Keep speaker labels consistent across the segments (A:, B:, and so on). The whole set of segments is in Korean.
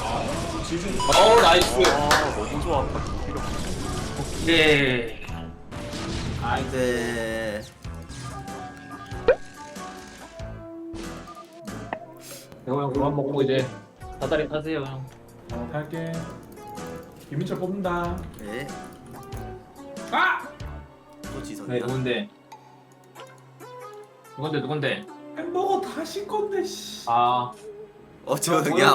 A: 지금
B: 나이스.
C: 너무 좋았다.
B: 네.
D: 안돼.
B: 대호 형 그만 먹고 이제 다다리 타세요 형.
A: 할게. 김민철 뽑는다.
D: 네.
A: 아!
D: 또
B: 네
D: 지성이야.
B: 누군데? 누군데?
A: 햄버거 다시 건데 씨.
B: 아.
D: 저야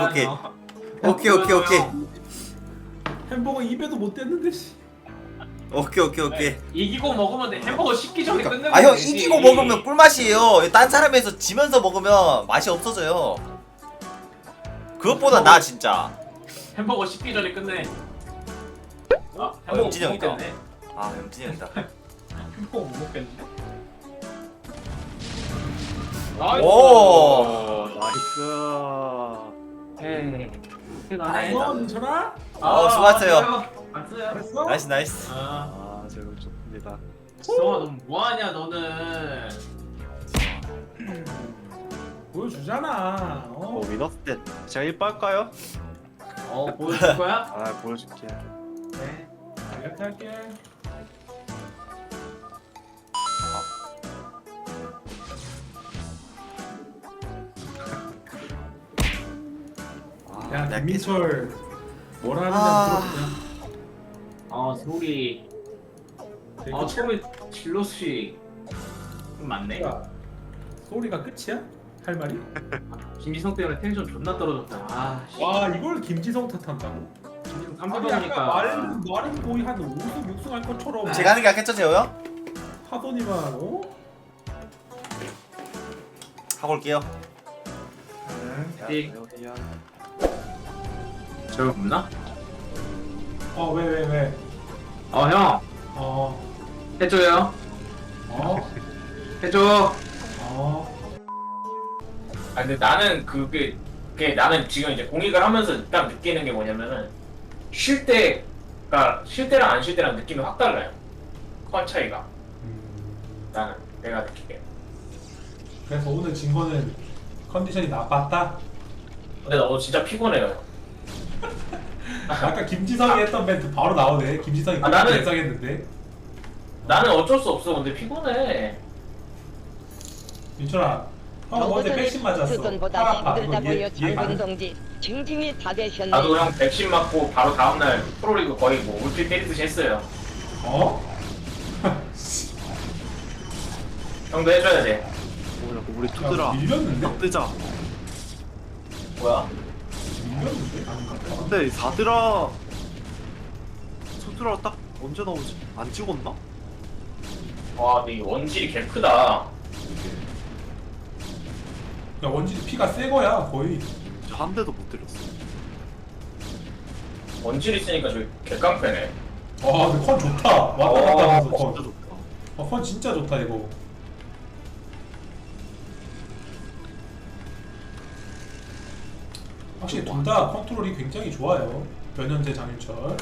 D: 오케이.
A: 햄버거 입에도 못 댔는데 씨.
D: 오케이.
B: 이기고 먹으면 돼. 햄버거 식기 전에 끝내면
D: 아 형
B: 되지.
D: 이기고 먹으면 꿀맛이에요. 딴 사람에서 지면서 먹으면 맛이 없어져요. 그것보다 나 진짜.
B: 햄버거 식기 전에 끝내. 햄버거
D: 영진이 형이다.
B: 못 먹겠네.
D: 아 영진이 형이다.
B: 햄버거 못 먹겠는데?
D: 오.
C: 나이스.
B: 에이.
D: 다행이다.
A: 민철아?
D: 수고하셨어요.
B: 안써요.
A: 잘했어?
D: 나이스.
C: 아, 제가 좋습니다.
B: 지성아 너 뭐하냐 너는.
A: 보여주잖아.
C: 위너스 때 제가 1 빨까요?
B: 보여줄 거야?
C: 아, 보여줄게.
B: 네.
A: 이렇게 할게. 야
D: 야,
A: 김민철 뭐라 하는지
D: 아.
A: 들어보자.
B: 소리. 처음에 질럿이 좀 많네.
A: 야, 소리가 끝이야? 할 말이?
B: 김지성 때문에 텐션 존나 떨어졌다. 씨.
A: 와 이걸 김지성 탓한다고?
B: 김지성
A: 아니
B: 3대
A: 아까
B: 보니까
A: 말은 거의 한 5승 6승 할 것처럼
D: 제가 하는 게 낫겠죠 재호 형?
A: 하더니만 어?
D: 하고 올게요.
B: 네. 저거 없나?
A: 왜?
B: 형
A: 어.
B: 해줘요.
A: 어?
B: 해줘.
A: 어?
B: 근데 나는 그게 나는 지금 이제 공익을 하면서 딱 느끼는 게 뭐냐면은 쉴 때랑 안 쉴 때랑 느낌이 확 달라요. 컨 차이가. 나는 내가 느끼게.
A: 그래서 오늘 진 거는 컨디션이 나빴다?
B: 근데 나 오늘 진짜 피곤해요.
A: 아까 김지성이 했던 멘트 바로 나오네. 김지성이
B: 나는-
A: 예상했는데.
B: 나는 어쩔 수 없어. 근데 피곤해.
A: 민철아, 형 어제 백신 맞았어.
E: 그건보다
A: 팔 아파. 이거
E: 힘들다고요,
A: 이해
E: 장군
A: 가능?
E: 동지. 징징이 다 되셨네.
B: 나도 형 백신 맞고 바로 다음날 프로리그 거의 뭐 울필 때리듯이 했어요.
A: 어?
B: 형도 해줘야 돼.
C: 우리
A: 야,
C: 투드라
A: 밀렸는데?
C: 뜨자.
B: 뭐야?
A: 밀렸는데? 아닌가?
C: 근데 4드라 투드라 딱 언제 나오지? 안 찍었나?
B: 와, 근데 이 원질이 개 크다.
A: 야 원진이 피가 새 거야 거의.
C: 진짜 한 대도 못 때렸어.
B: 원질 있으니까 저기 개깡패네.
A: 아 근데 컨 좋다. 왔다 갔다 하면서
C: 진짜
A: 컨.
C: 좋다.
A: 컨 진짜 좋다 이거. 확실히 둘 다 컨트롤이 굉장히 좋아요. 변현재, 장윤철.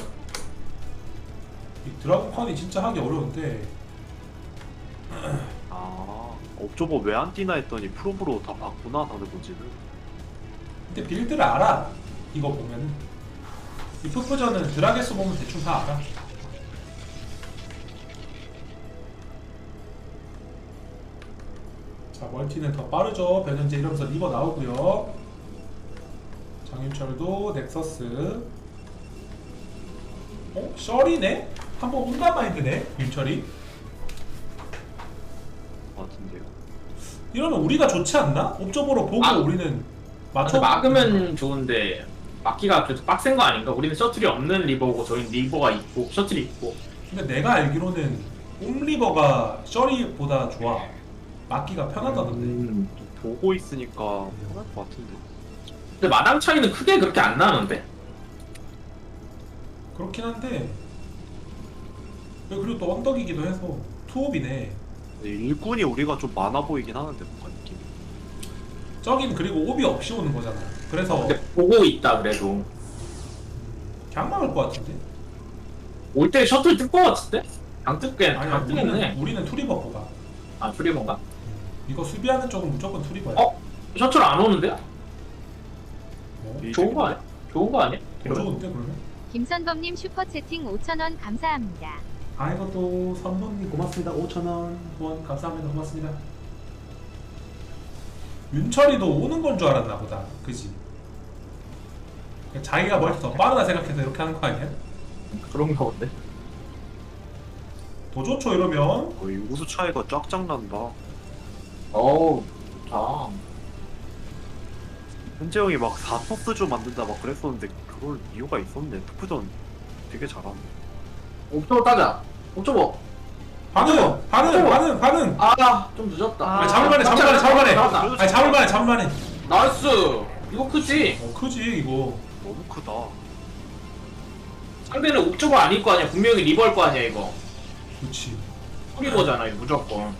A: 이 드라곤 컨이 진짜 하기 어려운데
C: 업저버 왜 안 뛰나 했더니 프로브로 다 봤구나 다들 본지는.
A: 근데 빌드를 알아. 이거 보면은 이 푸푸전은 드라게스 보면 대충 다 알아. 자 멀티는 더 빠르죠. 변현재 이러면서 리버 나오고요. 장윤철도 넥서스. 셔리네? 한번 온단 마인드네 윤철이.
C: 같은데요.
A: 이러면 우리가 좋지 않나? 옵저버로 보고 우리는 맞춰.
B: 막으면 좋은데 막기가 계속 빡센 거 아닌가? 우리는 셔틀이 없는 리버고 저희는 리버가 있고 셔틀이 있고.
A: 근데 내가 알기로는 옴리버가 셔리보다 좋아. 막기가 편하다던데.
C: 보고 있으니까 편할 것 같은데.
B: 근데 마당 차이는 크게 그렇게 안 나는데?
A: 그렇긴 한데 그리고 또 언덕이기도 해서 투옵이네.
C: 근데 일꾼이 우리가 좀 많아 보이긴 하는데 뭔가 느낌이.
A: 저긴 그리고 옵이 없이 오는 거잖아. 그래서
B: 근데 보고 있다 그래도.
A: 그냥 막을 것 같은데?
B: 올 때 셔틀 뜰 것 같은데? 안 뜰게.
A: 아니야
B: 안 뜨겠네.
A: 우리는 투리버보다.
B: 아 트리버인가?
A: 이거 수비하는 쪽은 무조건 투리버야.
B: 셔틀 안 오는데요?
A: 뭐?
B: 좋은 거 아니야? 좋은 거 아니야?
A: 더 좋은데 그러면?
F: 김선범님 슈퍼채팅 5,000원 감사합니다.
A: 아 이것도 선봉님 고맙습니다. 5,000원 후원 감사합니다. 고맙습니다. 윤철이도 오는 건 줄 알았나 보다. 그지? 자기가 멀티 더 빠르다 생각해서 이렇게 하는 거 아니야?
B: 그런가 본데.
A: 더 좋죠 이러면.
C: 거의 우수 차이가 쫙쫙 난다.
B: 어우 좋다.
C: 현재 형이 막 4토스조 만든다 막 그랬었는데 그걸 이유가 있었네. 투프전 되게 잘하네.
B: 옵저버 따자. 옵저버.
A: 반응.
B: 아좀 늦었다.
A: 아니, 잡을만해.
B: 나왔다.
A: 아니 잡을만해.
B: 나이스. 이거 크지?
A: 크지 이거.
C: 너무 크다.
B: 상대는 옵저버 아닐 거 아니야. 분명히 리버일 거 아니야 이거.
A: 그렇지.
B: 리버잖아 이거 무조건.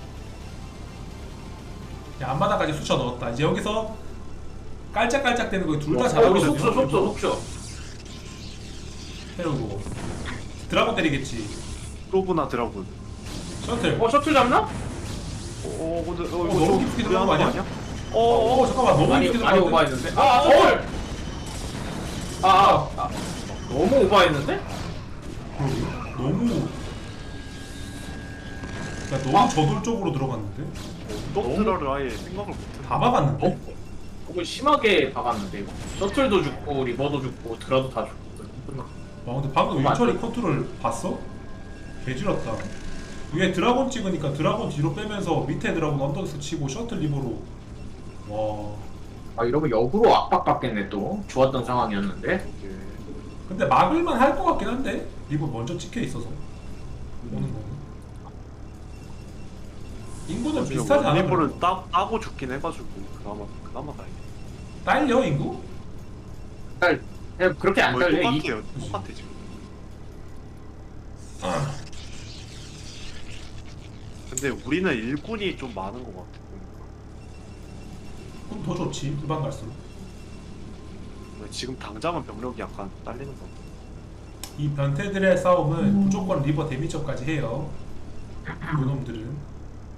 A: 야, 앞마당까지 수쳐 넣었다. 이제 여기서 깔짝깔짝 되는 거 둘 다
B: 우리
A: 잘하거든요.
B: 속초.
A: 태우고 드라곤 때리겠지.
C: 프로브나 드라군.
A: 셔틀.
B: 셔틀 잡나?
C: 근데
A: 너무 깊게 들어간 거 아니야?
C: 어.
A: 잠깐만 너무
B: 많이
A: 깊게
B: 많이
A: 들어갔는데?
B: 오버했는데. 셔틀. 너무 오버했는데?
A: 너무 너무 저돌적으로 들어갔는데?
C: 떡드라를 아예 생각을 못해.
A: 다 박았는데?
B: 너무 심하게 박았는데 이거. 셔틀도 죽고 리버도 죽고 드라도 다 죽고.
A: 와 근데 방금
B: 너무 안
A: 윤철이
B: 돼.
A: 컨트롤 봤어? 개지렸다. 위에 드라곤 찍으니까 드라곤 뒤로 빼면서 밑에 드라곤 언덕에서 치고 셔틀 리버로. 와
B: 이러면 역으로 압박받겠네 또. 좋았던 상황이었는데.
C: 이게
A: 근데 막을만 할 것 같긴 한데 리버 먼저 찍혀 있어서 오는 거. 인구는 비슷하지 않아?
C: 일부를 따고 죽긴 해가지고 그나마 다행이야.
A: 딸려 인구?
B: 그냥 그렇게 안
C: 거의
B: 달려.
C: 똑같아요. 똑같아 지금. 근데 우리는 일꾼이 좀 많은 것 같아.
A: 그럼 더 좋지 후반 갈수록.
C: 지금 당장은 병력이 약간 딸리는 것 같아.
A: 이 변태들의 싸움은 무조건 리버 데미지업까지 해요. 요놈들은.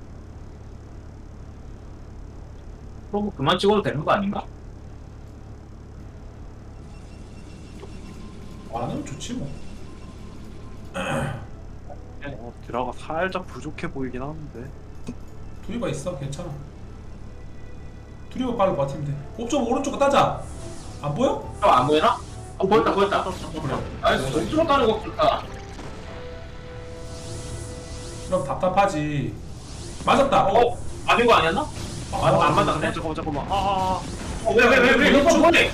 B: 프로브 그만 찍어도 되는 거 아닌가?
A: 많으면 좋지 뭐.
C: 드라가 살짝 부족해 보이긴 하는데.
A: 투리버 있어 괜찮아. 투리버 빨리 버티면 돼. 옵점 오른쪽 따자. 안 보여?
B: 안 보이나? 보였다. 나이스. 옵저버 따는 거 좋다.
A: 그럼 답답하지. 맞았다.
B: 아닌 거 아니었나? 안 맞았네.
C: 잠깐만.
B: 왜 이거 손해?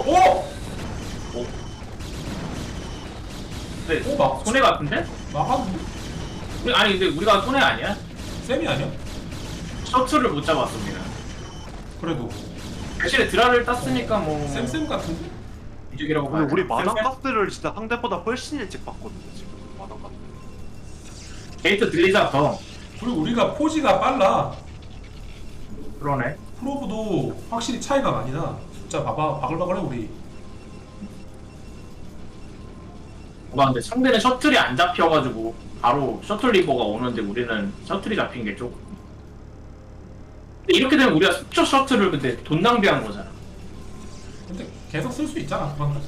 B: 네,
A: 막
B: 손해 같은데?
A: 막았는데?
B: 아니 근데 우리가 손해 아니야?
A: 쌤이 아니야?
B: 셔틀을 못 잡았습니다.
A: 그래도
B: 대신에 드라를 땄으니까 뭐
A: 쌤 같은데?
B: 이득이라고
C: 근데
B: 봐요.
C: 우리 마당 가스를 진짜 상대보다 훨씬 일찍 봤거든요 지금. 마당 가스.
B: 게이트 들리자 더.
A: 그리고 우리가 포지가 빨라.
B: 그러네.
A: 프로브도 확실히 차이가 많이 나. 숫자 봐봐 바글바글해 우리.
B: 근데 상대는 셔틀이 안 잡혀가지고 바로 셔틀 리버가 오는데 우리는 셔틀이 잡힌 게 조금. 근데 이렇게 되면 우리가 속초 셔틀을 근데 돈 낭비한 거잖아.
A: 근데 계속 쓸 수 있잖아 그만까지.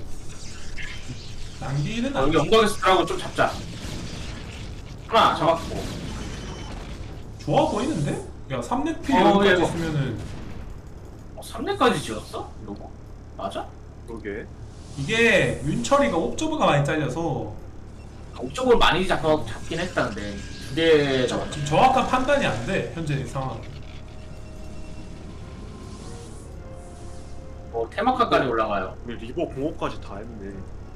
A: 낭비는 안
B: 여기
A: 돼.
B: 엉덩이에서 드라고 좀 잡자. 하나 잡았고.
A: 좋아 보이는데? 야 3렙 필
B: 예,
A: 여기까지
B: 뭐.
A: 있으면은
B: 3렙까지 지었어? 이거 맞아?
C: 그러게.
A: 이게 윤철이가 옵저버가 많이 잘려서
B: 옵저버를 많이 잡긴 했다는데 두개 잡았지.
A: 지금 정확한 판단이 안 돼 현재 상황.
B: 테마카까지 올라가요.
C: 우리 리버 공업까지 다 했네.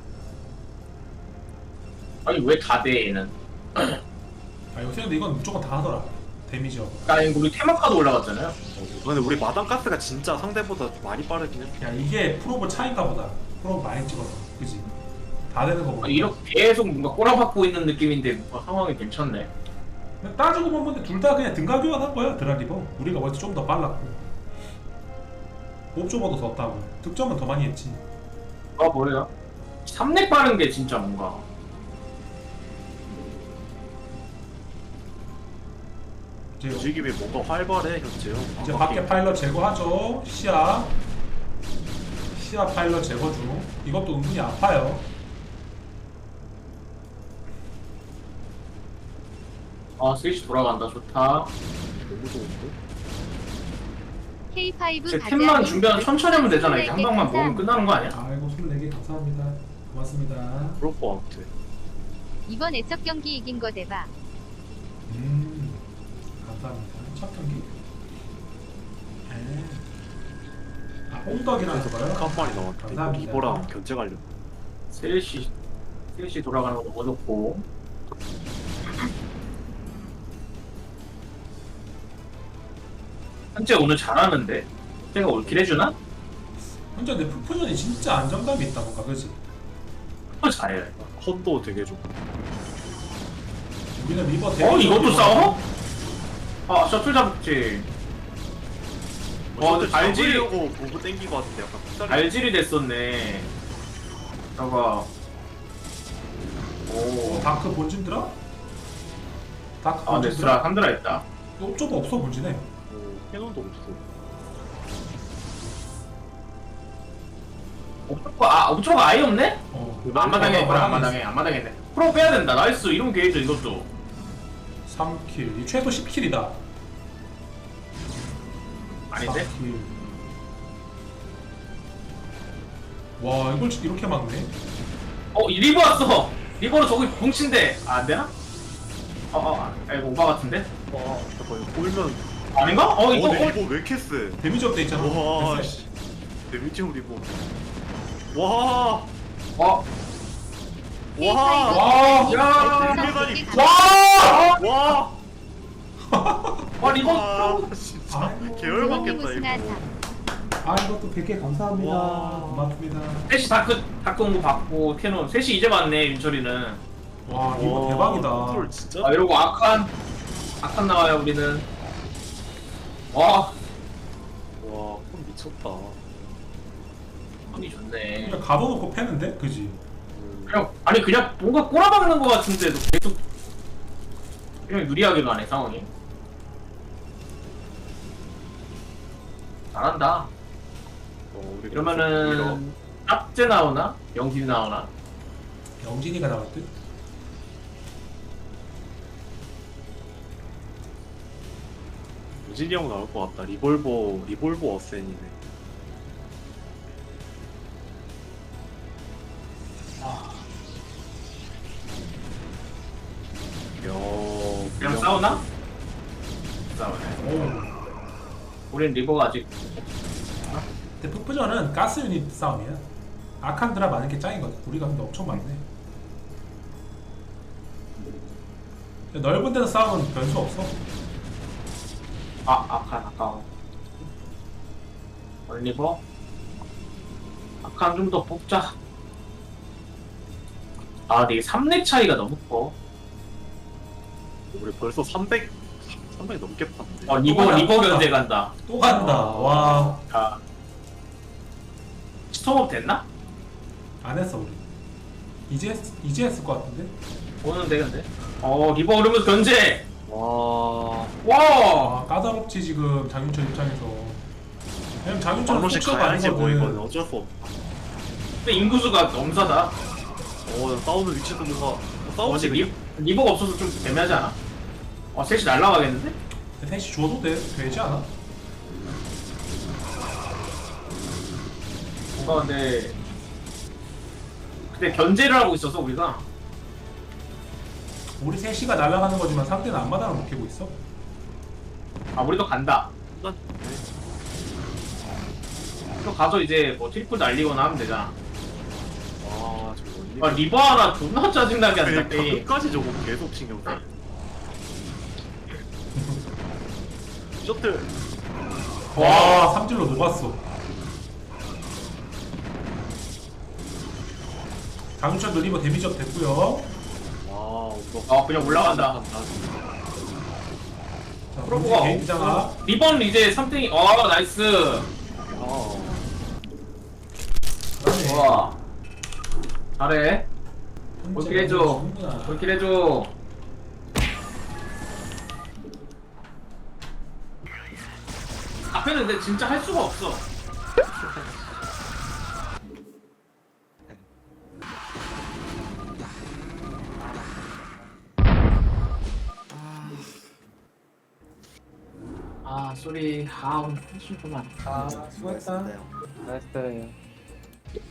B: 아니 왜 다 돼 얘는?
A: 아 요새 근데 이건 무조건 다 하더라 데미지업.
B: 아니 우리 테마카도 올라갔잖아요.
C: 근데 우리 마당 가스가 진짜 상대보다 많이 빠르긴 해.
A: 야 이게 프로브 차인가 보다. 프로브 많이 찍어서 그지? 다 되는 거 보고.
B: 아니, 이렇게 계속 뭔가 꼬라박고 있는 느낌인데 뭔가 상황이 괜찮네.
A: 따지고 보면 둘 다 그냥 등가 교환한 거야 드라리버. 우리가 원래 좀 더 빨랐고 옵저버도 더 따고 득점은 더 많이 했지.
B: 뭐예요? 3렙 빠른 게 진짜 뭔가.
A: 이제
C: 움직임이 뭔가 활발해 현재요.
A: 이제 밖에 파일럿 제거하죠. 시야 시야 파일럿 제거 중. 이것도 은근히 아파요.
B: 스위치 돌아간다. 좋다.
C: 너무 좋은데?
F: K5
B: 제 템만 준비하면 천천히 하면 되잖아. 이제 한 방만 모으면 끝나는 거 아니야?
A: 아이고 24개 감사합니다. 고맙습니다.
C: 그럴 것 같아.
F: 이번 애적 경기 이긴 거 대박.
A: 감사합니다. 첫 경기. 옹덕이라서 봐요.
C: 한 마리 나왔대.
A: 감사합니다.
C: 이거랑 견제 가려고.
B: 셋이 돌아가는 거 너무 좋고. 현재 오늘 잘하는데 제가 올킬 해주나?
A: 혼자 내 푸푸전이 진짜 안정감이 있다 뭔가 그지?
B: 또 잘해.
C: 컷도 되게 좋고.
A: 우리는 리버 대비
B: 이것도 싸워? 셔틀 잡지.
C: 셔틀
B: 알지?
C: 잡으려고 보고 땡기고 왔는데 약간 풋살이.
B: 알질이 됐었네. 저거. 오.
A: 다크 본진 들어? 다크
B: 아,
A: 본진
B: 네스라 한드라 했다.
A: 좀 없어 본진에.
C: 캐논도 없어.
B: 옵저가 아예 없네? 안마당에
A: 어,
B: 안마당했네. 프로 빼야 된다. 나이스. 이런 게이죠 이것도.
A: 3킬. 이 최소 10킬이다.
B: 아닌데?
A: 4킬. 와 이걸 이렇게 막네.
B: 이 리버 왔어. 리버로 저기 봉친데 안 되나? 이거 오바 같은데?
C: 잠깐 이거 보이면.
B: 아닌가? 이거
C: 근데 이거 왜 이렇게 세?
A: 데미지 업돼 있잖아.
C: 와,
A: 됐어.
C: 씨. 데미지 리버. 와,
B: 와.
C: 와,
B: 야.
C: 대단히.
B: 와!
C: 와,
B: 리버.
C: 와, 진짜
A: 아이고.
C: 계열받겠다 이거.
A: 아 이것도 100개 감사합니다.
C: 와.
A: 고맙습니다.
B: 셋이 다크 온 거 받고 캐논 셋이 이제 봤네 윤철이는.
A: 와 이거 대박이다.
C: 컨트롤 진짜.
B: 이러고 아칸 나와요 우리는. 와,
C: 와, 콘 미쳤다.
B: 손이 좋네.
A: 그냥 가둬놓고 패는데 그지?
B: 그냥 뭔가 꼬라박는 거 같은데도 계속 그냥 유리하게 가네 상황이. 잘한다.
C: 우리
B: 이러면은 짭제 나오나? 영진이 나오나?
A: 영진이가 나올 듯?
C: 유진이 형 나올 것 같다. 리볼버 어센이네.
B: 그냥 싸우나? 싸우네.
A: 오.
B: 우린 리버가 아직
A: 근데 푸푸전은 가스 유닛 싸움이야. 아칸드라 많은 게 짱이거든. 우리가 근데 엄청 많네. 넓은 데서 싸우면 변수 없어.
B: 아칸 아까워. 리버 아칸 좀 더 뽑자. 근데 이게 3렙 차이가 너무 커.
C: 우리 벌써 300 넘게 팠는데.
B: 리버 견제 간다.
A: 또 간다. 와.
B: 스톱업 됐나?
A: 안 했어 우리. 이제 했을 것 같은데.
B: 오는데 근데. 리버 오르면서 견제.
C: 와,
B: 와.
A: 까다롭지 지금 장윤철 입장에서. 왜냐면 장윤철은
C: 방로식
A: 속도가
C: 가야지 뭐
A: 아니거든.
C: 이건 어쩔 수 없.
B: 근데 인구수가 넘사다.
C: 싸우는 위치도 뭔가 싸우지.
B: 근데 리버가 없어서 좀 애매하지 않아? 셋이 날라가겠는데?
A: 셋이 줘도 되지 않아?
B: 뭔가 근데 견제를 하고 있어서 우리가.
A: 우리 셋이가 날아가는 거지만 상대는 앞마당을 못 캐고 있어.
B: 우리도 간다. 또 가서 이제 뭐 트리플 날리거나 하면 되잖아.
C: 저거
B: 리버 하나 존나 짜증나게 한다.
C: 그러니까 끝까지 저거 계속 신경 써. 셔틀.
A: 와 삼질로 녹았어. 장윤철도 리버 데미지업 됐고요.
C: 와,
B: 그냥 올라간다.
A: 자,
B: 프로브가
A: 게이트 장악.
B: 리버는 이제 3등이. 나이스.
A: 그다음에
B: 와. 잘해.
A: 혼자
B: 올킬 해줘.
A: 너무
B: 올킬 해줘. 앞에는 근데 진짜 할 수가 없어. 아 쏘리. 아 오늘 힘들구만. 아 수고했다.
D: 수고하셨습니다, 형.
B: 잘했어요.